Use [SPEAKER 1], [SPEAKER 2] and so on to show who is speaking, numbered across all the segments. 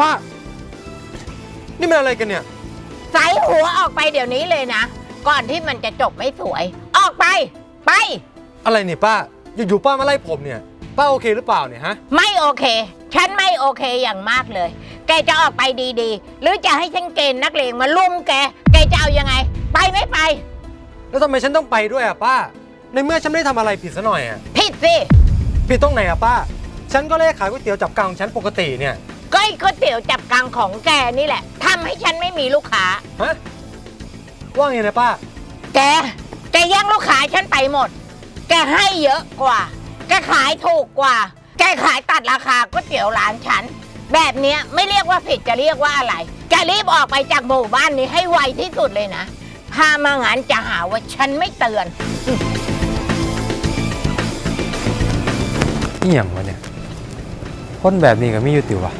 [SPEAKER 1] ป้านี่มันอะไรกันเนี่ย
[SPEAKER 2] ใส่หัวออกไปเดี๋ยวนี้เลยนะก่อนที่มันจะจบไม่สวยออกไปไป
[SPEAKER 1] อะไรเนี่ยป้าอยู่ๆป้ามาไล่ผมเนี่ยป้าโอเคหรือเปล่าเนี่ยฮะ
[SPEAKER 2] ไม่โอเคฉันไม่โอเคอย่างมากเลยแกจะออกไปดีๆหรือจะให้ฉันเกณฑ์นักเลงมาลุมแกจะเอายังไงไปไม่ไป
[SPEAKER 1] แล้วทำไมฉันต้องไปด้วยอ่ะป้าในเมื่อฉันไม่ได้ทำอะไรผิดซะหน่อยอ่ะ
[SPEAKER 2] ผิดสิ
[SPEAKER 1] ผิดตรงไหนอ่ะป้าฉันก็เลขขายก๋วยเตี๋ยวจับกังของฉันปกติเนี่ย
[SPEAKER 2] ก็ไอ้ก๋วยเตี๋ยวจับกังของแกนี่แหละทำให้ฉันไม่มีลูกค้า
[SPEAKER 1] ฮะว่าไงนะป้า
[SPEAKER 2] แกแย่งลูกค้าฉันไปหมดแกให้เยอะกว่าแกขายถูกกว่าแกขายตัดราคาก๋วยเตี๋ยวร้านฉันแบบนี้ไม่เรียกว่าผิดจะเรียกว่าอะไรแกรีบออกไปจากหมู่บ้านนี้ให้ไวที่สุดเลยนะถ้ามางั้นจะหาว่าฉันไม่เตือน
[SPEAKER 1] นี่อย่างวะเนี่ยคนแบบนี้ก็ไม่ยุติวะ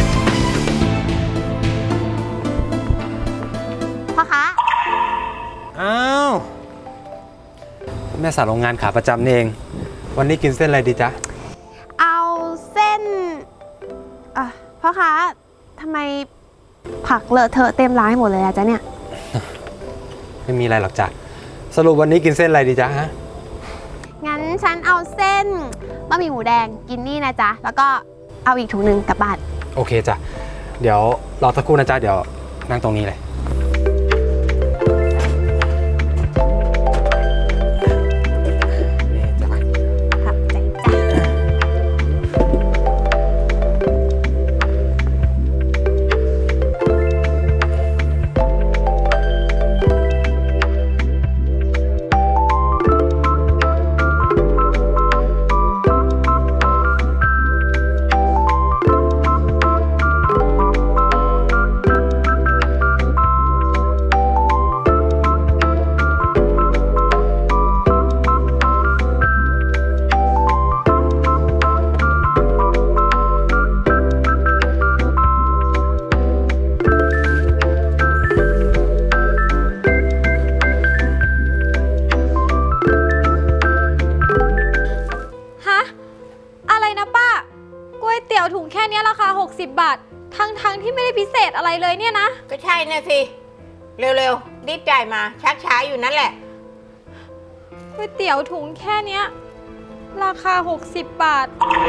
[SPEAKER 3] พ่อคะ
[SPEAKER 1] อ้าวแม่สาวโรงงานขาประจำนี่เองวันนี้กินเส้นอะไรดีจ๊ะ
[SPEAKER 3] เอาเส้นพ่อคะทำไมผักเลอะเทอะเต็มร้านหมดเลยอะจ๊ะเนี่ย
[SPEAKER 1] ไม่มีอะไรหรอกจ้ะสรุปวันนี้กินเส้นอะไรดีจ๊ะฮะ
[SPEAKER 3] งั้นฉันเอาเส้นบะหมี่หมูแดงกินนี่นะจ๊ะแล้วก็เอาอีกถุงหนึ่งกลับบ้าน
[SPEAKER 1] โอเคจ้ะเดี๋ยวรอสักครู่นะจ๊ะเดี๋ยวนั่งตรงนี้เลย
[SPEAKER 4] ถุงแค่นี้ราคา60 บาททั้งที่ไม่ได้พิเศษอะไรเลยเนี่ยนะ
[SPEAKER 2] ก็ใช่นะสิเร็วๆรีบจ่ายมาชักช้าอยู่นั่นแหละ
[SPEAKER 4] ก๋วยเตี๋ยวถุงแค่นี้ราคา60 บาท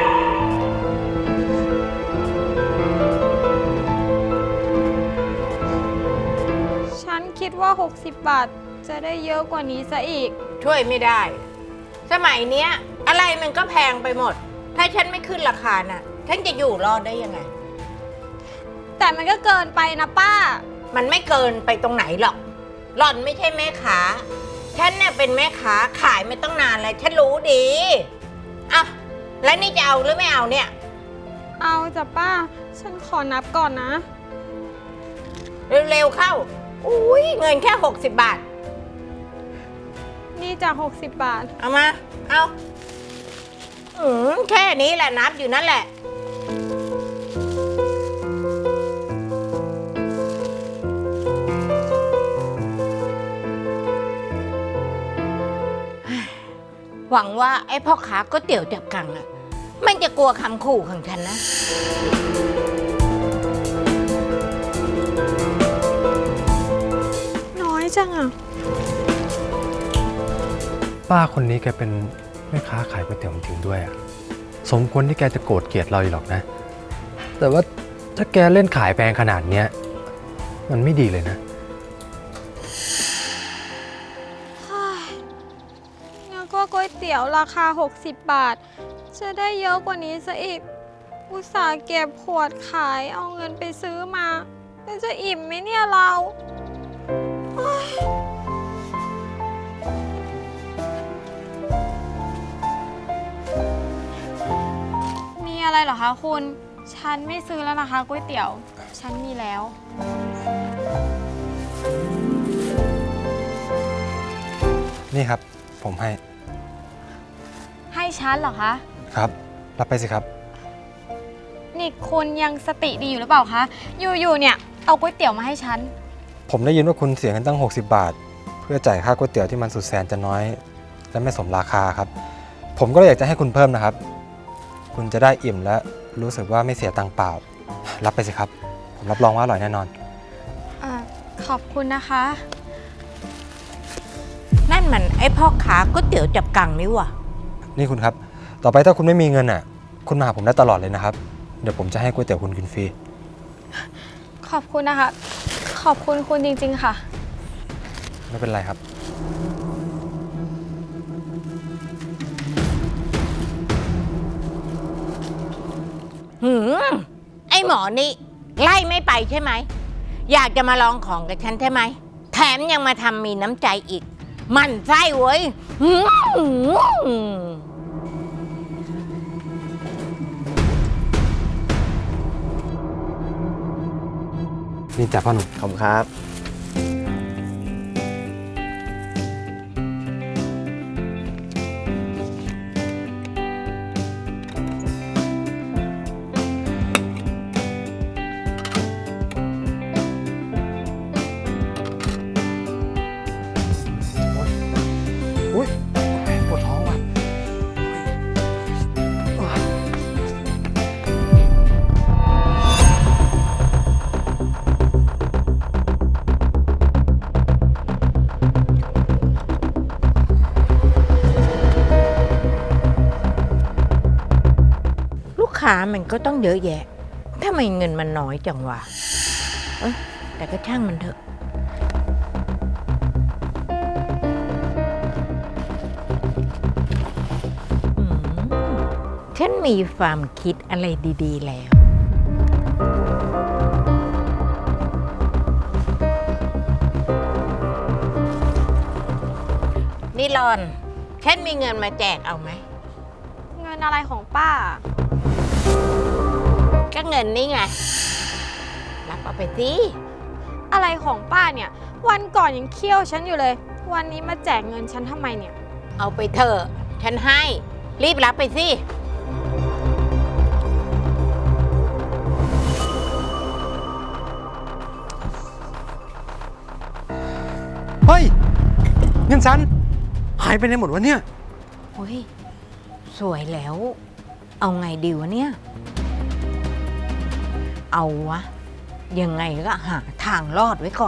[SPEAKER 4] ฉันคิดว่า60 บาทจะได้เยอะกว่านี้ซะอีก
[SPEAKER 2] ช่วยไม่ได้สมัยเนี้ยอะไรมันก็แพงไปหมดถ้าฉันไม่ขึ้นราคาน่ะฉันจะอยู่รอดได้ยังไง
[SPEAKER 4] แต่มันก็เกินไปนะป้า
[SPEAKER 2] มันไม่เกินไปตรงไหนหรอกหล่อนไม่ใช่แม่ค้าฉันเนี่ยเป็นแม่ค้าขายไม่ต้องนานแล้วฉันรู้ดีอ่ะแล้วนี่จะเอาหรือไม่เอาเนี่ย
[SPEAKER 4] เอาจ้ะป้าฉันขอนับก่อนนะ
[SPEAKER 2] เร็วๆเข้าอุ้ยเงินแค่60 บาท
[SPEAKER 4] นี่จาก60 บาท
[SPEAKER 2] เอามาเอาแค่นี้แหละนับอยู่นั่นแหละหวังว่าไอ้พ่อค้าก๋วยเตี๋ยวจับกังอะมันจะกลัวคำขู่ของฉันนะ
[SPEAKER 4] น้อยจังอะ
[SPEAKER 1] ป้าคนนี้แกเป็นแม่ค้าขายก๋วยเตี๋ยวจริงด้วยอะสมควรที่แกจะโกรธเกลียดเราอยู่หรอกนะแต่ว่าถ้าแกเล่นขายแพงขนาดเนี้ยมันไม่ดีเลยนะ
[SPEAKER 4] งั้นก็ก๋วยเตี๋ยวราคา60 บาทจะได้เยอะกว่านี้ซะอีกอุตส่าห์เก็บขวดขายเอาเงินไปซื้อมาแล้วจะอิ่มไหมเนี่ยเราอะไรเหรอคะคุณฉันไม่ซื้อแล้วนะคะก๋วยเตี๋ยวฉันมีแล้ว
[SPEAKER 1] นี่ครับผม
[SPEAKER 4] ให้ฉันเหรอคะ
[SPEAKER 1] ครับรับไปสิครับ
[SPEAKER 4] นี่คุณยังสติดีอยู่หรือเปล่าคะอยู่เนี่ยเอาก๋วยเตี๋ยวมาให้ฉัน
[SPEAKER 1] ผมได้ยินว่าคุณเสียเงินตั้ง60 บาทเพื่อจ่ายค่าก๋วยเตี๋ยวที่มันสุดแสนจะน้อยและไม่สมราคาครับผมก็เลยอยากจะให้คุณเพิ่มนะครับคุณจะได้อิ่มและรู้สึกว่าไม่เสียตังค์เปล่ารับไปสิครับ ผมรับรองว่าอร่อยแน่นอน
[SPEAKER 4] ขอบคุณนะคะ
[SPEAKER 2] นั่นมันไอ้พ่อค้าก๋วยเตี๋ยวจับกังนี่หว่ะ
[SPEAKER 1] นี่คุณครับ ต่อไปถ้าคุณไม่มีเงินอ่ะ คุณมาหาผมได้ตลอดเลยนะครับ เดี๋ยวผมจะให้ก๋วยเตี๋ยวคุณกินฟรี
[SPEAKER 4] ขอบคุณนะคะ ขอบคุณคุณจริงๆค่ะ
[SPEAKER 1] ไม่เป็นไรครับ
[SPEAKER 2] ไอ้หมอนี่ไล่ไม่ไปใช่ไหม อยากจะมาลองของกับฉันใช่ไหม แถมยังมาทำมีน้ำใจอีก มันไส้เว้ย
[SPEAKER 1] นี่จ้ะพ่อหนุ่ม
[SPEAKER 5] ขอบคุณครับ
[SPEAKER 1] อุ้ยปวดท้องว่ะ
[SPEAKER 2] ลูกค้ามันก็ต้องเยอะแยะทำไมเงินมันน้อยจังวะแต่ก็ช่างมันเถอะ ฉันมีความคิดอะไรดีๆแล้ว นี่รอน ฉันมีเงินมาแจกเอาไหม
[SPEAKER 4] เงินอะไรของป้า
[SPEAKER 2] ก็เงินนี่ไง รับเอาไปสิ
[SPEAKER 4] อะไรของป้าเนี่ย วันก่อนยังเคี่ยวฉันอยู่เลย วันนี้มาแจกเงินฉันทำไมเนี่ย
[SPEAKER 2] เอาไปเถอะ ฉันให้ รีบรับไปสิ
[SPEAKER 1] เฮ้ย เงินฉันหายไปไหนหมดวะเนี่ย
[SPEAKER 2] โอ้ย สวยแล้ว เอาไงดีวะเนี่ย เอาวะ ยังไงก็หาทางรอดไว้ก่อน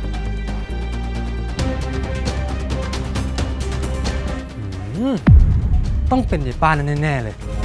[SPEAKER 1] ต้องเป็นยายป้านั่นแน่ๆเลย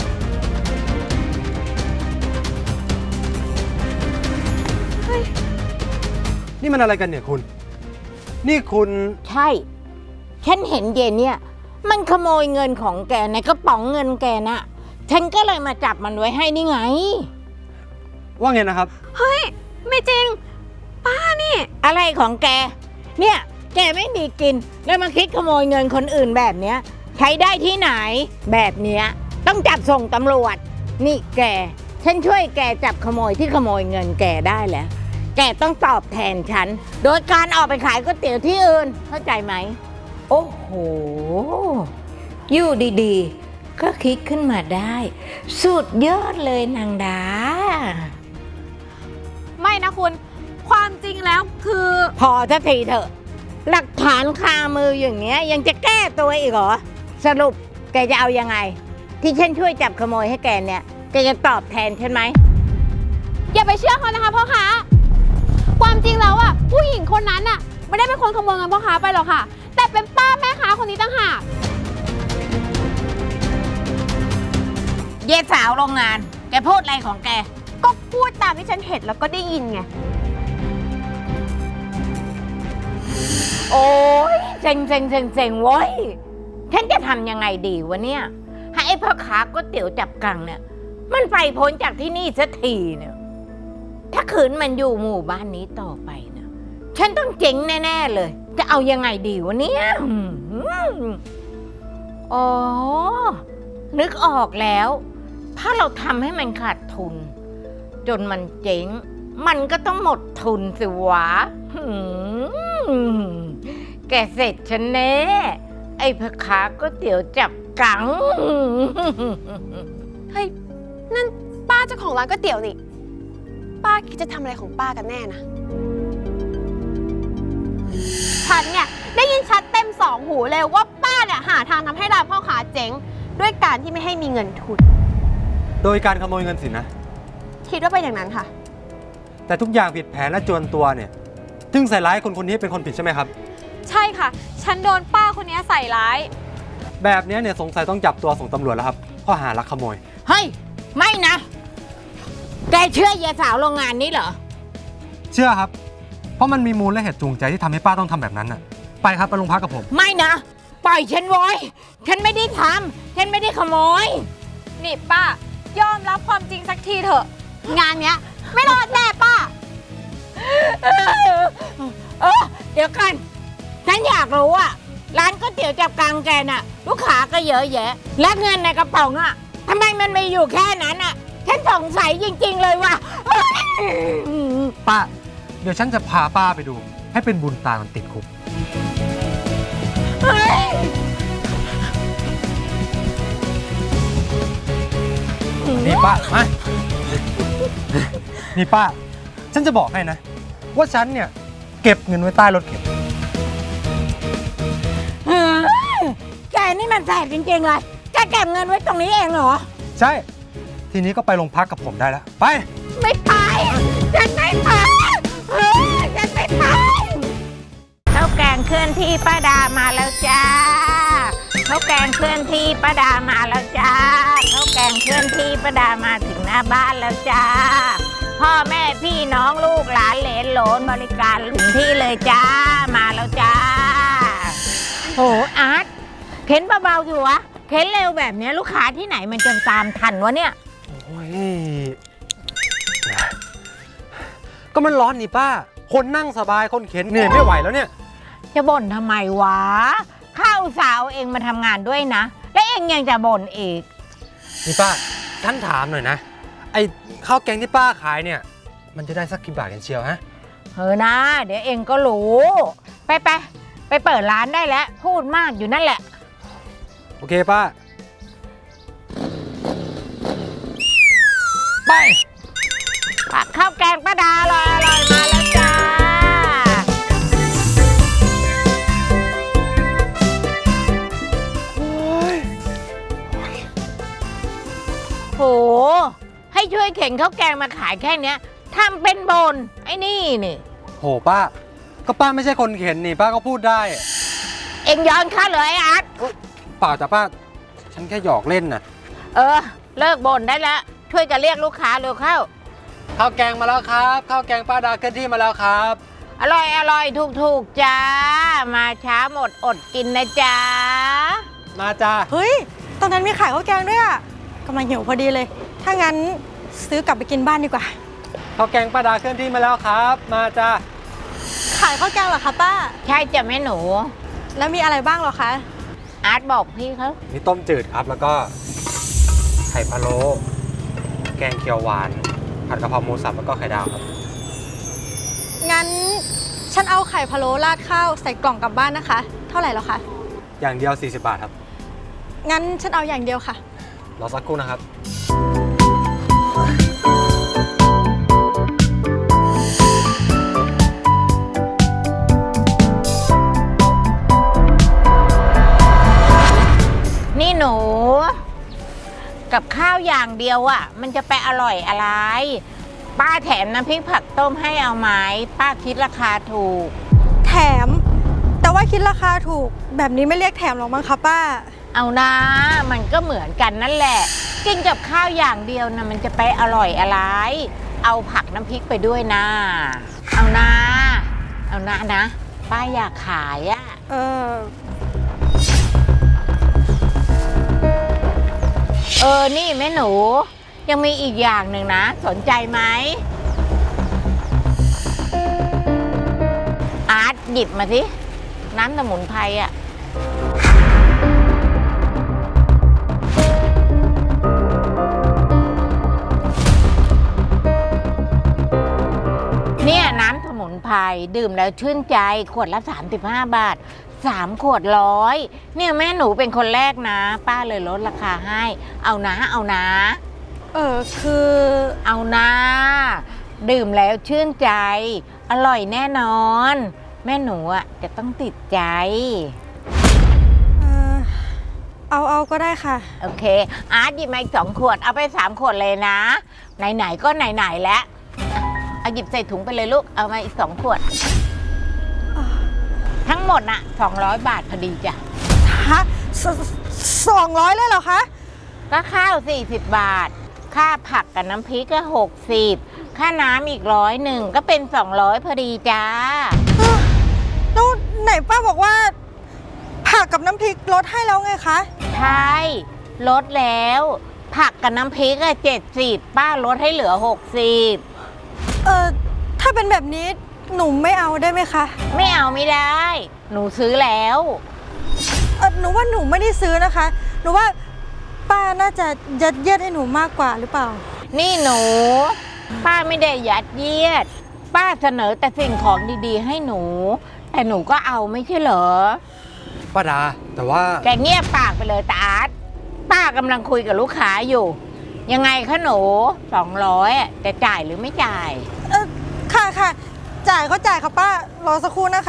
[SPEAKER 1] นี่มันอะไรกันเนี่ยคุณ นี่คุณ
[SPEAKER 2] ใช่ ฉันเห็นเย็นเนี่ย มันขโมยเงินของแกในกระป๋องเงินแกน่ะ ฉันก็เลยมาจับมันไว้ให้นี่ไง
[SPEAKER 1] ว่าไงนะครับ
[SPEAKER 4] ไม่จริง ป้านี่
[SPEAKER 2] อะไรของแก เนี่ย แกไม่มีกิน แล้วมาคิดขโมยเงินคนอื่นแบบเนี้ย ใช้ได้ที่ไหน แบบเนี้ยต้องจับส่งตำรวจ นี่แก ฉันช่วยแกจับขโมยที่ขโมยเงินแกได้แล้ว แกต้องตอบแทนฉัน โดยการออกไปขายก๋วยเตี๋ยวที่อื่น เข้าใจไหม โอ้โห อยู่ดีๆ ก็คิดขึ้นมาได้ สุดยอดเลยนางดา
[SPEAKER 3] ไม่นะคุณ ความจริงแล้วคือ
[SPEAKER 2] พอสักทีเถอะ หลักฐานคามืออย่างเงี้ยยังจะแก้ตัวอีกเหรอ สรุปแกจะเอายังไง ที่ฉันช่วยจับขโมยให้แกเนี่ย แกจะตอบแทนฉันไหม
[SPEAKER 3] อย่าไปเชื่อเขานะคะพ่อค้า ความจริงแล้วอ่ะผู้หญิงคนนั้นอ่ะไม่ได้เป็นคนขโมยเงินพ่อค้าไปหรอกค่ะ แต่เป็นป้าแม่ค้าคนนี้ต่างหาก
[SPEAKER 2] เย่สาวโรงงาน แกพูดอะไรของแก
[SPEAKER 3] ก็พูดตามที่ฉันเห็นแล้วก็ได้ยินไง
[SPEAKER 2] โอ้ยเซ็งเว้ย ฉันจะทำยังไงดีวะเนี่ย ให้ไอ้พ่อค้าก๋วยเตี๋ยวจับกังเนี่ย มันไปพ้นจากที่นี่สักทีเนี่ย ถ้าขืนมันอยู่หมู่บ้านนี้ต่อไปเนี่ยฉันต้องเจ๊งแน่ๆเลย จะเอายังไงดีวะเนี่ยอ๋อ นึกออกแล้ว ถ้าเราทำให้มันขาดทุน จนมันเจ๊ง มันก็ต้องหมดทุนสิวะแกเสร็จฉันแน่ ไอ้พ่อค้าก๋วยเตี๋ยวจับกัง
[SPEAKER 3] เฮ้ย นั่นป้าเจ้าของร้านก๋วยเตี๋ยวนี่ ป้าคิดจะทำอะไรของป้ากันแน่นะฉันเนี่ยได้ยินชัดเต็มสองหูเลยว่าป้าเนี่ยหาทางทำให้ร้านพ่อค้าเจ๊ง ด้วยการที่ไม่ให้มีเงินทุน
[SPEAKER 1] โดยการขโมยเงินสินะ
[SPEAKER 3] คิดว่าเป็นอย่างนั้นค่ะ
[SPEAKER 1] แต่ทุกอย่างผิดแผนและจวนตัวเนี่ยจึงใส่ร้ายคนคนนี้เป็นคนผิดใช่ไหมครับ
[SPEAKER 4] ใช่ค่ะ ฉันโดนป้าคนนี้ใส่ร้าย
[SPEAKER 1] แบบนี้เนี่ยสงสัยต้องจับตัวส่งตำรวจแล้วครับข้อหาลักขโมย
[SPEAKER 2] เฮ้ย ไม่นะ แกเชื่อยายสาวโรงงานนี้เหรอ
[SPEAKER 1] เชื่อครับ เพราะมันมีมูลและเหตุจูงใจที่ทำให้ป้าต้องทำแบบนั้นน่ะไปครับไปโรงพักกับผม
[SPEAKER 2] ไม่นะ ปล่อยฉันไว้ฉันไม่ได้ทำฉันไม่ได้ขโมย
[SPEAKER 4] นี่ป้ายอมรับความจริงสักทีเถอะ
[SPEAKER 3] งานเนี้ยไม่รอดแน่ป้า
[SPEAKER 2] เดี๋ยวกัน ฉันอยากรู้อะร้านก๋วยเตี๋ยวจับกังแกน่ะ ลูกค้าก็เยอะแยะ และเงินในกระเป๋าอะทำไมมันไม่อยู่แค่นั้นอะฉันสงสัยจริงๆเลยว่า
[SPEAKER 1] ป้า เดี๋ยวฉันจะพาป้าไปดู ให้เป็นบุญตามันติดคุกนี่ป้ามานี่ป้า ฉันจะบอกให้นะ ว่าฉันเนี่ยเก็บเงินไว้ใต้รถเข็น
[SPEAKER 2] แกนี่มันแสบจริงๆเลยแกเก็บเงินไว้ตรงนี้เองเหรอ
[SPEAKER 1] ใช่ ทีนี้ก็ไปโรงพักกับผมได้แล้ว ไป
[SPEAKER 2] ไม่ไป ฉันไม่ไปฉันไม่ไปข้าวแกงเคลื่อนที่ป้าดามาแล้วจ้าข้าวแกงเคลื่อนที่ป้าดามาแล้วจ้าข้าวแกงเคลื่อนที่ป้าดามาถึงหน้าบ้านแล้วจ้าพ่อแม่พี่น้องลูกหลานเหลนโหลนบริการถึงที่เลยจ้ามาแล้วจ้าโหอาร์ตเข็นเบาๆอยู่วะเข็นเร็วแบบนี้ลูกค้าที่ไหนมันจะตามทันวะเนี่ย
[SPEAKER 1] โอ้ย ก็มันร้อนนี่ป้า คนนั่งสบาย คนเข็นเหนื่อยไม่ไหวแล้วเนี่ย
[SPEAKER 2] จะบ่นทำไมวะข้าวสาวเองมาทำงานด้วยนะ และเองยังจะบ่นอีก
[SPEAKER 1] นี่ป้าท่านถามหน่อยนะ ไอ้ข้าวแกงที่ป้าขายเนี่ย มันจะได้สักกี่บาทกันเชียวฮะ
[SPEAKER 2] เออนะ เดี๋ยวเองก็รู้ ไปเปิดร้านได้แล้ว พูดมากอยู่นั่นแหละ
[SPEAKER 1] โอเคป้า ไป
[SPEAKER 2] ผักข้าวแกงป้าดาอร่อยมาแล้วจ้าโห ให้ช่วยเข็นข้าวแกงมาขายแค่เนี้ยทำเป็นบนไอ้นี่นี่
[SPEAKER 1] โหป้า ก็ป้าไม่ใช่คนเข็นนี่ป้าก็พูดได้
[SPEAKER 2] เองย้อนข้าเลยไอ้อาร์ต
[SPEAKER 1] เปล่าจ้ะป้า ฉันแค่หยอกเล่นน่ะ
[SPEAKER 2] เออ เลิกบ่นได้แล้ว ช่วยกันเรียกลูกค้าเร็วเข้า
[SPEAKER 1] ข้าวแกงมาแล้วครับ ข้าวแกงป้าดาเคลื่อนที่มาแล้วครับ
[SPEAKER 2] อร่อยถูกจ้า มาช้าหมดอดกินนะจ๊ะ
[SPEAKER 1] มาจ้า
[SPEAKER 5] เฮ้ย ตรงนั้นมีขายข้าวแกงด้วยอ่ะกำลังหิวพอดีเลย ถ้างั้นซื้อกลับไปกินบ้านดีกว่า
[SPEAKER 1] ข้าวแกงป้าดาเคลื่อนที่มาแล้วครับ มาจ้า
[SPEAKER 5] ขายข้าวแกงเหรอคะป้า
[SPEAKER 2] ใช่จ้ะแม่หนู
[SPEAKER 5] แล้วมีอะไรบ้างเหรอคะ
[SPEAKER 2] อาร์ตบอกพี่เขา
[SPEAKER 1] มีต้มจืดครับ แล้วก็ไข่พะโล้แกงเขียวหวาน ผัดกะเพราหมูสับแล้วก็ไข่ดาวครับ
[SPEAKER 5] งั้นฉันเอาไข่พะโล้ราดข้าวใส่กล่องกลับบ้านนะคะ เท่าไหร่เหรอคะ
[SPEAKER 1] อย่างเดียว 40 บาทครับ
[SPEAKER 5] งั้นฉันเอาอย่างเดียวค่ะ
[SPEAKER 1] รอสักครู่นะครับ
[SPEAKER 2] นี่หนู กับข้าวอย่างเดียวอะ่ะ มันจะไปอร่อยอะไร ป้าแถมน้ำพริกผักต้มให้เอาไหมป้าคิดราคาถูก
[SPEAKER 5] แถม แต่ว่าคิดราคาถูก แบบนี้ไม่เรียกแถมหรอกมั้งคะป้า
[SPEAKER 2] เอานะมันก็เหมือนกันนั่นแหละ กินกับข้าวอย่างเดียวนะมันจะไปอร่อยอะไร เอาผักน้ำพริกไปด้วยนะ เอานะนะป้าอยากขายอะ นี่แม่หนู ยังมีอีกอย่างหนึ่งนะ สนใจไหมอาร์ตหยิบมาสิน้ำสมุนไพรอะเนี่ยน้ำสมุนไพรดื่มแล้วชื่นใจขวดละ35 บาท 3 ขวด100เนี่ยแม่หนูเป็นคนแรกนะ ป้าเลยลดราคาให้ เอานะ
[SPEAKER 5] คือ
[SPEAKER 2] เอานะดื่มแล้วชื่นใจ อร่อยแน่นอน แม่หนูอ่ะจะต้องติดใจ
[SPEAKER 5] เอาก็ได้ค่ะ
[SPEAKER 2] โอเค อาร์ตหยิบมาอีก2 ขวด เอาไป3 ขวดเลยนะ ไหนๆก็ไหนๆแล้วเอาหยิบใส่ถุงไปเลยลูก เอามาอีก2 ขวด ทั้งหมดน่ะ200 บาทพอดีจ้ะ
[SPEAKER 5] ฮะ200เลยเหรอคะ
[SPEAKER 2] ก็ข้าว40 บาท ค่าผักกับน้ำพริกก็60 ค่าน้ำอีก100ก็เป็น200พอดีจ้า
[SPEAKER 5] แล้วไหนป้าบอกว่าผักกับน้ำพริกลดให้แล้วไงคะ
[SPEAKER 2] ใช่ลดแล้ว ผักกับน้ำพริกอะ70ป้าลดให้เหลือ60
[SPEAKER 5] ถ้าเป็นแบบนี้หนูไม่เอาได้ไหมคะ
[SPEAKER 2] ไม่เอาไม่ได้ หนูซื้อแล้ว
[SPEAKER 5] หนูว่าหนูไม่ได้ซื้อนะคะ หนูว่าป้าน่าจะยัดเยียดให้หนูมากกว่าหรือเปล่า
[SPEAKER 2] นี่หนู ป้าไม่ได้ยัดเยียด ป้าเสนอแต่สิ่งของดีๆ ให้หนู แต่หนูก็เอาไม่ใช่เหรอ
[SPEAKER 1] ป้าดา แต่ว่า
[SPEAKER 2] แกเงียบปากไปเลยตาอาร์ตป้ากำลังคุยกับลูกค้าอยู่ ยังไงคะหนู200อะจะจ่ายหรือไม่จ่าย
[SPEAKER 5] ค่ะ จ่ายก็จ่ายค่ะป้า รอสักครู่นะคะ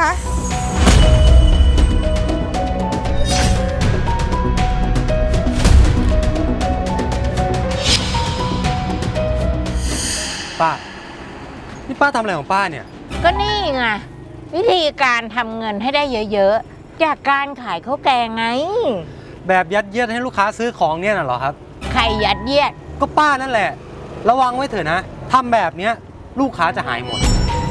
[SPEAKER 1] ป้า นี่ป้าทำอะไรของป้าเนี่ย
[SPEAKER 2] ก็นี่ไงวิธีการทำเงินให้ได้เยอะๆ จากการขายข้าวแกงไง
[SPEAKER 1] แบบยัดเยียดให้ลูกค้าซื้อของเนี่ยน่ะเหรอครับ
[SPEAKER 2] ใครยัดเยียด
[SPEAKER 1] ก็ป้านั่นแหละ ระวังไว้เถอะนะทำแบบเนี้ยลูกค้าจะหายหมด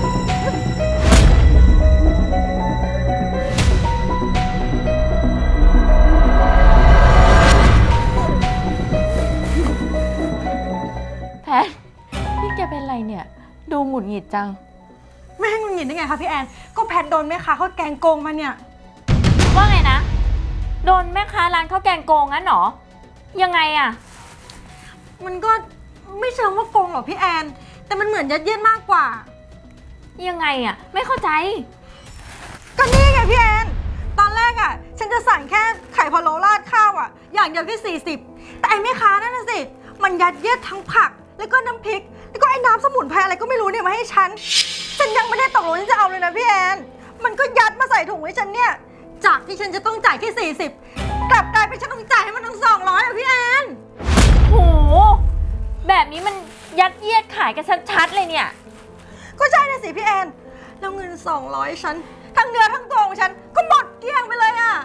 [SPEAKER 3] แพทนี่แกเป็นไรเนี่ย ดูหงุดหงิดจัง
[SPEAKER 5] ไม่ให้หงุดหงิดได้ไงคะพี่แอน ก็แพทโดนแม่ค้าเขาแกงโกงมาเนี่ย
[SPEAKER 3] ว่าไงนะ โดนแม่ค้าร้านข้าวแกงโกงงั้นเหรอ ยังไงอะ
[SPEAKER 5] มันก็ไม่เชิงว่าโกงหรอกพี่แอน แต่มันเหมือนยัดเยียดมากกว่า
[SPEAKER 3] ยังไงอะไม่เข้าใจ
[SPEAKER 5] ก็นี่ไงพี่แอน ตอนแรกอ่ะ ฉันจะสั่งแค่ไข่พะโล้ราดข้าวอ่ะ อย่างเดียวแค่40แต่ไอ้แม่ค้านั่นน่ะสิ มันยัดเยียดทั้งผัก แล้วก็น้ำพริก แล้วก็ไอ้น้ำสมุนไพรอะไรก็ไม่รู้เนี่ยมาให้ฉัน ฉันยังไม่ได้ตกลงที่จะเอาเลยนะพี่แอน มันก็ยัดมาใส่ถุงให้ฉันเนี่ย จากที่ฉันจะต้องจ่ายแค่40กลับกลายเป็นฉันต้องจ่ายให้มันทั้ง200อ่ะพี่แอน
[SPEAKER 3] โห แบบนี้มันยัดเยียดขายกันชัดๆเลยเนี่ย
[SPEAKER 5] ก็ใช่นะสิพี่แอน แล้วเงิน200ฉันทั้งเนื้อทั้งตัวของฉันก็หมดเกลี้ยงไปเลยอ่ะ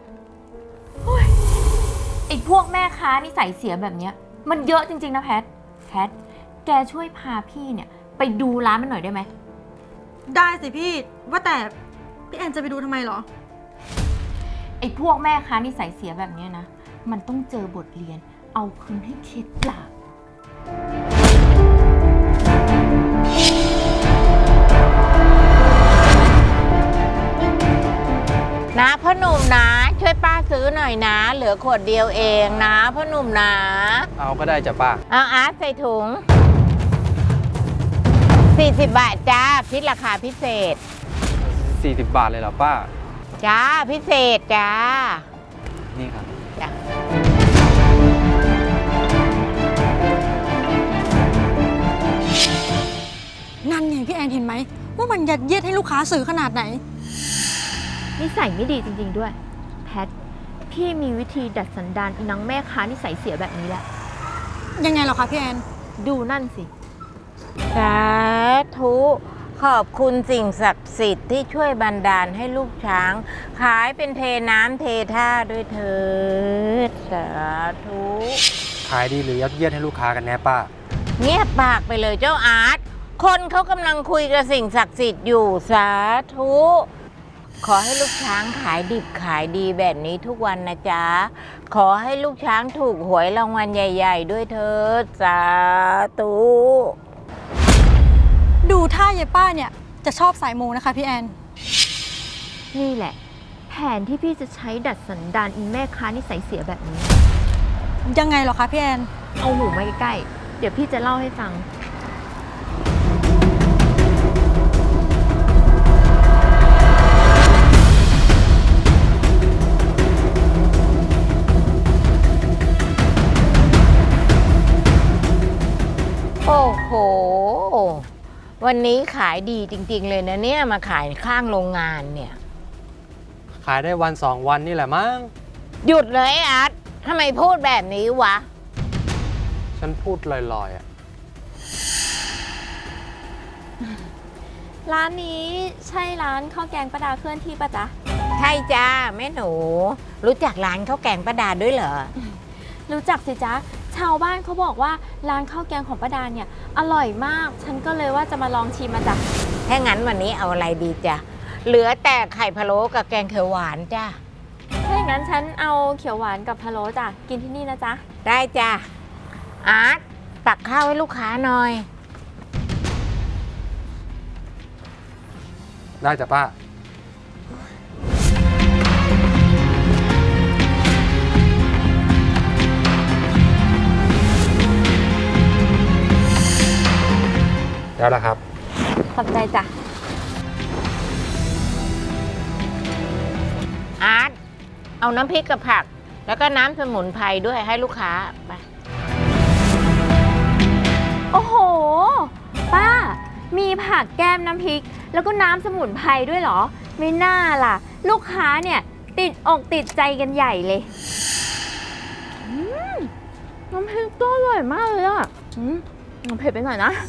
[SPEAKER 3] ไอ้พวกแม่ค้านิสัยเสียแบบเนี้ยมันเยอะจริงๆนะแพท แกช่วยพาพี่เนี่ยไปดูร้านมันหน่อยได้ไหม
[SPEAKER 5] ได้สิพี่ ว่าแต่พี่แอนจะไปดูทำไมเหรอ
[SPEAKER 3] ไอ้พวกแม่ค้านิสัยเสียแบบเนี้ยนะ มันต้องเจอบทเรียน เอาคืนให้เข็ดหลาบ
[SPEAKER 2] นะพ่อหนุ่มนะ ช่วยป้าซื้อหน่อยนะ เหลือขวดเดียวเองนะพ่อหนุ่มนะ
[SPEAKER 1] เอาก็ได้จ้ะป้า
[SPEAKER 2] เอาอาร์ตใส่ถุง40 บาทจ้าคิดราคาพิเศษ
[SPEAKER 1] 40 บาทเลยเหรอป้า
[SPEAKER 2] จ้าพิเศษจ้า
[SPEAKER 1] นี่ครับ
[SPEAKER 2] จ้า
[SPEAKER 5] นั่นไงพี่แอนเห็นไหม ว่ามันยัดเยียดให้ลูกค้าซื้อขนาดไหน
[SPEAKER 3] นิสัยไม่ดีจริงๆด้วย แพท พี่มีวิธีดัดสันดานอีนังแม่ค้านิสัยเสียแบบนี้แหละ
[SPEAKER 5] ยังไงเหรอคะพี่แอน
[SPEAKER 3] ดูนั่นสิ
[SPEAKER 2] สาธุขอบคุณสิ่งศักดิ์สิทธิ์ที่ช่วยบันดาลให้ลูกช้าง ขายเป็นเทน้ำเทท่าด้วยเถิดสาธุ
[SPEAKER 1] ขายดีหรือยัดเยียดให้ลูกค้ากันแน่ป้า
[SPEAKER 2] เงียบปากไปเลยเจ้าอาร์ตคนเขากำลังคุยกับสิ่งศักดิ์สิทธิ์อยู่สาธุขอให้ลูกช้างขายดิบขายดีแบบนี้ทุกวันนะจ๊ะขอให้ลูกช้างถูกหวยรางวัลใหญ่ ๆ ด้วยเถิดสาธุ
[SPEAKER 5] ดูท่ายายป้าเนี่ยจะชอบสายมูนะคะพี่แอน
[SPEAKER 3] นี่แหละ แผนที่พี่จะใช้ดัดสันดานอีแม่ค้านิสัยเสียแบบนี้
[SPEAKER 5] ยังไงเหรอคะพี่แอน
[SPEAKER 3] เอาหูมาใกล้ๆ เดี๋ยวพี่จะเล่าให้ฟัง
[SPEAKER 2] โอ้โห วันนี้ขายดีจริงๆเลยนะเนี่ยมาขายข้างโรงงานเนี่ย
[SPEAKER 1] ขายได้วัน 2 วันนี่แหละมั้ง
[SPEAKER 2] หยุดเลยไอ้อาร์ตทำไมพูดแบบนี้วะ
[SPEAKER 1] ฉันพูดลอยๆอ่ะ
[SPEAKER 3] ร้านนี้ใช่ร้านข้าวแกงป้าดาเคลื่อนที่ปะจ๊ะ
[SPEAKER 2] ใช่จ้าแม่หนู รู้จักร้านข้าวแกงป้าดาด้วยเหรอ
[SPEAKER 3] รู้จักสิจ๊ะ ชาวบ้านเขาบอกว่าร้านข้าวแกงของป้าดาเนี่ยอร่อยมาก ฉันก็เลยว่าจะมาลองชิมมาจ้ะ
[SPEAKER 2] ถ้างั้นวันนี้เอาอะไรดีจ้ะ เหลือแต่ไข่พะโล้กับแกงเขียวหวานจ้า
[SPEAKER 3] ถ้าอย่างนั้นฉันเอาเขียวหวานกับพะโล้จ้ะ กินที่นี่นะจ๊ะ
[SPEAKER 2] ได้จ้ะ อาร์ตตักข้าวให้ลูกค้าหน่อย
[SPEAKER 1] ได้จ้ะป้า ได้แล้วครับ
[SPEAKER 3] ขอบใจจ้ะ
[SPEAKER 2] อาร์ตเอาน้ำพริกกับผัก แล้วก็น้ำสมุนไพรด้วยให้ลูกค้าไป
[SPEAKER 3] โอ้โห ป้า มีผักแก้มน้ำพริก แล้วก็น้ำสมุนไพรด้วยเหรอ ไม่น่าล่ะ ลูกค้าเนี่ยติดอกติดใจกันใหญ่เลยน้ำพริกก็อร่อยมากเลยอ่ะเผ็ดไปหน่อยนะ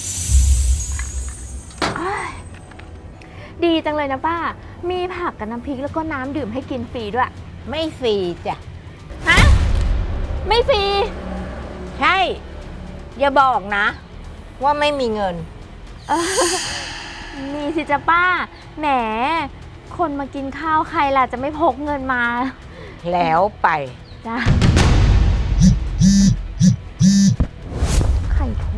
[SPEAKER 3] อ้ายดีจังเลยนะป้า มีผักกับน้ำพริกแล้วก็น้ำดื่มให้กินฟรีด้วย
[SPEAKER 2] ไม่ฟรีจ้ะ
[SPEAKER 3] ฮะ ไม่ฟรี
[SPEAKER 2] ใช่ อย่าบอกนะ ว่าไม่มีเงิน
[SPEAKER 3] มีสิจ๊ะป้า แหม คนมากินข้าวใครล่ะจะไม่พกเงินมา
[SPEAKER 2] แล้วไป
[SPEAKER 3] จ้ะใครโทร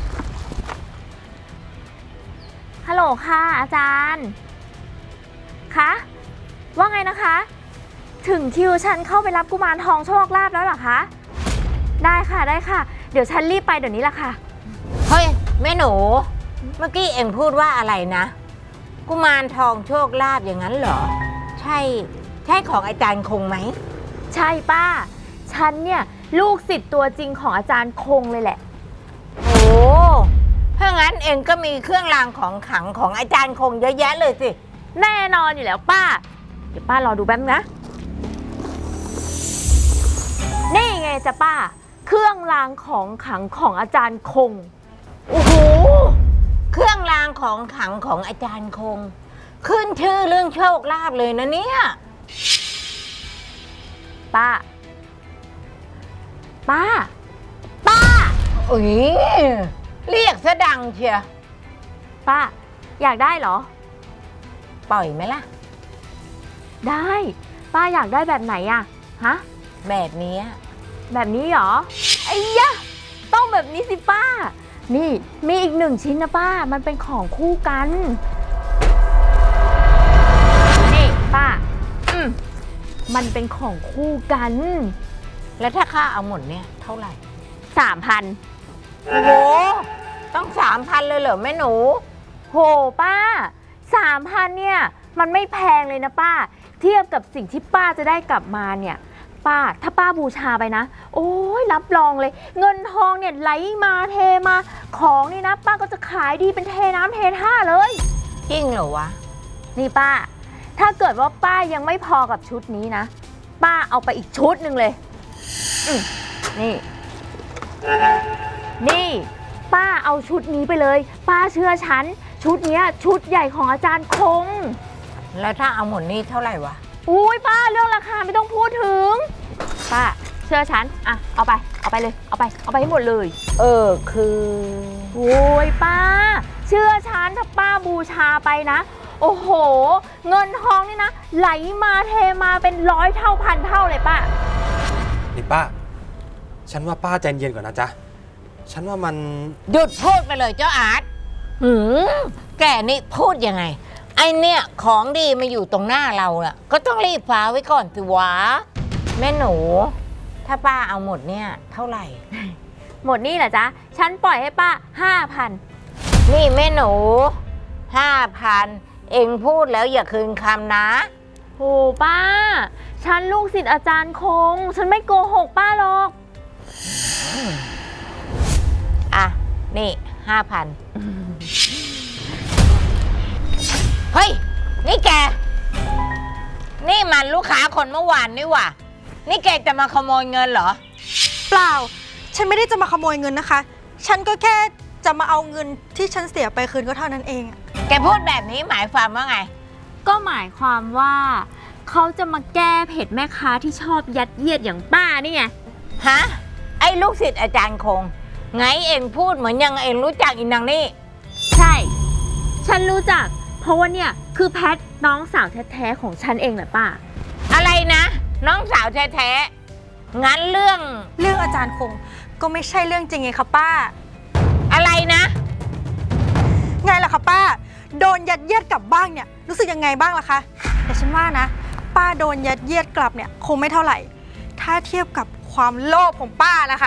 [SPEAKER 3] ฮัลโหลค่ะอาจารย์ คะ ว่าไงนะคะ ถึงคิวฉันเข้าไปรับกุมารทองโชคลาภแล้วเหรอคะ ได้ค่ะได้ค่ะ เดี๋ยวฉันรีบไปเดี๋ยวนี้ละค่ะ
[SPEAKER 2] เฮ้ย แม่หนู เมื่อกี้เอ็งพูดว่าอะไรนะ กุมารทองโชคลาภอย่างนั้นเหรอ ใช่ของอาจารย์คงไหม
[SPEAKER 3] ใช่ป้า ฉันเนี่ยลูกศิษย์ตัวจริงของอาจารย์คงเลยแหละ
[SPEAKER 2] โอ้ถ้างั้นเอ็งก็มีเครื่องรางของขลังของอาจารย์คงเยอะแยะเลยสิ
[SPEAKER 3] แน่นอนอยู่แล้วป้า เดี๋ยวป้ารอดูแป๊บนึงนะ นี่ไงจ๊ะป้า เครื่องรางของขลังของอาจารย์คง
[SPEAKER 2] โอ้โห เครื่องรางของขลังของอาจารย์คง ขึ้นชื่อเรื่องโชคลาภเลยนะเนี่ย
[SPEAKER 3] ป้า ป้า ป้า
[SPEAKER 2] อุ๊ยเรียกซะดังเชีย
[SPEAKER 3] ป้า อยากได้เหรอ
[SPEAKER 2] ปล่อยไหมล่ะ
[SPEAKER 3] ได้ ป้าอยากได้แบบไหนอะฮะ
[SPEAKER 2] แบบนี้
[SPEAKER 3] แบบนี้เหรอ ไอ้ยะ ต้องแบบนี้สิป้า นี่มีอีกหนึ่งชิ้นนะป้า มันเป็นของคู่กัน นี่ป้า มันเป็นของคู่กัน
[SPEAKER 2] แล้วถ้าค่าเอาหมดเนี่ยเท่าไหร่
[SPEAKER 3] 3,000
[SPEAKER 2] โอ้โห ต้อง 3,000 เลยเหรอแม่หนู
[SPEAKER 3] โหป้า 3,000เนี่ย มันไม่แพงเลยนะป้า เทียบกับสิ่งที่ป้าจะได้กลับมาเนี่ย ป้า ถ้าป้าบูชาไปนะ โอ้ยรับรองเลย เงินทองเนี่ยไหลมาเทมา ของนี่นะ ป้าก็จะขายดีเป็นเทน้ำเทท่าเลย
[SPEAKER 2] จริงเหรอวะ
[SPEAKER 3] นี่ป้า ถ้าเกิดว่าป้ายังไม่พอกับชุดนี้นะ ป้าเอาไปอีกชุดหนึ่งเลยนี่ นี่ ป้าเอาชุดนี้ไปเลย ป้าเชื่อฉัน ชุดเนี้ยชุดใหญ่ของอาจารย์คง
[SPEAKER 2] แล้วถ้าเอาหมดนี่เท่าไหร่วะ
[SPEAKER 3] อุ้ยป้าเรื่องราคาไม่ต้องพูดถึง ป้าเชื่อฉันอ่ะเอาไปเลย เอาไปให้หมดเลย
[SPEAKER 2] คือ
[SPEAKER 3] โอ้ยป้า เชื่อฉันถ้าป้าบูชาไปนะ โอ้โห เงินทองนี่นะ ไหลมาเทมาเป็น100 เท่าพันเท่าเลยป้า
[SPEAKER 1] นี่ป้า ฉันว่าป้าใจเย็นก่อนนะจ๊ะ ฉันว่ามัน
[SPEAKER 2] หยุดพูดไปเลยเจ้าอาร์ตแกนี่พูดยังไง ไอเนี่ยของดีมาอยู่ตรงหน้าเราน่ะ ก็ต้องรีบฟ้าไว้ก่อนสิวะ แม่หนู ถ้าป้าเอาหมดเนี่ยเท่าไหร่
[SPEAKER 3] หมดนี่เหรอจ๊ะ ฉันปล่อยให้ป้า 5,000
[SPEAKER 2] นี่แม่หนู 5,000 เอ็งพูดแล้วอย่าคืนคำนะ
[SPEAKER 3] โหป้า ฉันลูกศิษย์อาจารย์คง ฉันไม่โกหกป้าหรอก
[SPEAKER 2] อ่ะ นี่ 5,000 เฮ้ย นี่แก นี่มันลูกค้าคนเมื่อวานนี่หว่า นี่แกจะมาขโมยเงินเหรอ
[SPEAKER 5] เปล่า ฉันไม่ได้จะมาขโมยเงินนะคะ ฉันก็แค่จะมาเอาเงินที่ฉันเสียไปคืนก็เท่านั้นเองอะ
[SPEAKER 2] แกพูดแบบนี้หมายความว่าไง
[SPEAKER 3] ก็หมายความว่าเขาจะมาแก้เผ็ดแม่ค้าที่ชอบยัดเยียดอย่างป้านี่ไง
[SPEAKER 2] ฮะ ไอ้ลูกศิษย์อาจารย์คง ไงเองพูดเหมือนยังเองรู้จักอีนางนี่
[SPEAKER 3] ใช่ ฉันรู้จัก เพราะว่าเนี่ยคือแพทน้องสาวแท้ๆของฉันเองแหละป้า
[SPEAKER 2] อะไรนะ น้องสาวแท้ๆงั้นเรื่อง
[SPEAKER 5] เรื่องอาจารย์คงก็ไม่ใช่เรื่องจริงไงคะป้า
[SPEAKER 2] อะไรนะ
[SPEAKER 5] ไงล่ะคะป้า โดนยัดเยียดกลับบ้างเนี่ยรู้สึกยังไงบ้างล่ะคะ แต่ฉันว่านะ ป้าโดนยัดเยียดกลับเนี่ยคงไม่เท่าไหร่ ถ้าเทียบกับความโลภของป้านะคะ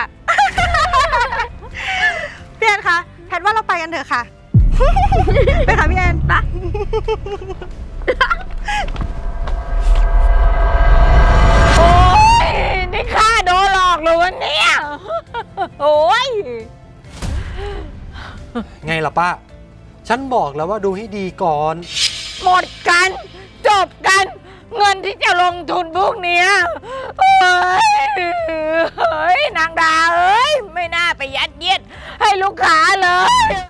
[SPEAKER 5] พี่แอนคะแพทว่าเราไปกันเถอะค่ะ ไปค่ะพี่แอนไป
[SPEAKER 2] โอ้ยนี่ข้าโดนหลอกเลยวันนี้โอ้ย
[SPEAKER 1] ไงล่ะป้า ฉันบอกแล้วว่าดูให้ดีก่อน
[SPEAKER 2] หมดกัน จบกัน เงินที่จะลงทุนพวกเนี้ยเฮ้ยนางดาเอ้ย ไม่น่าไปยัดเยียดให้ลูกค้าเลย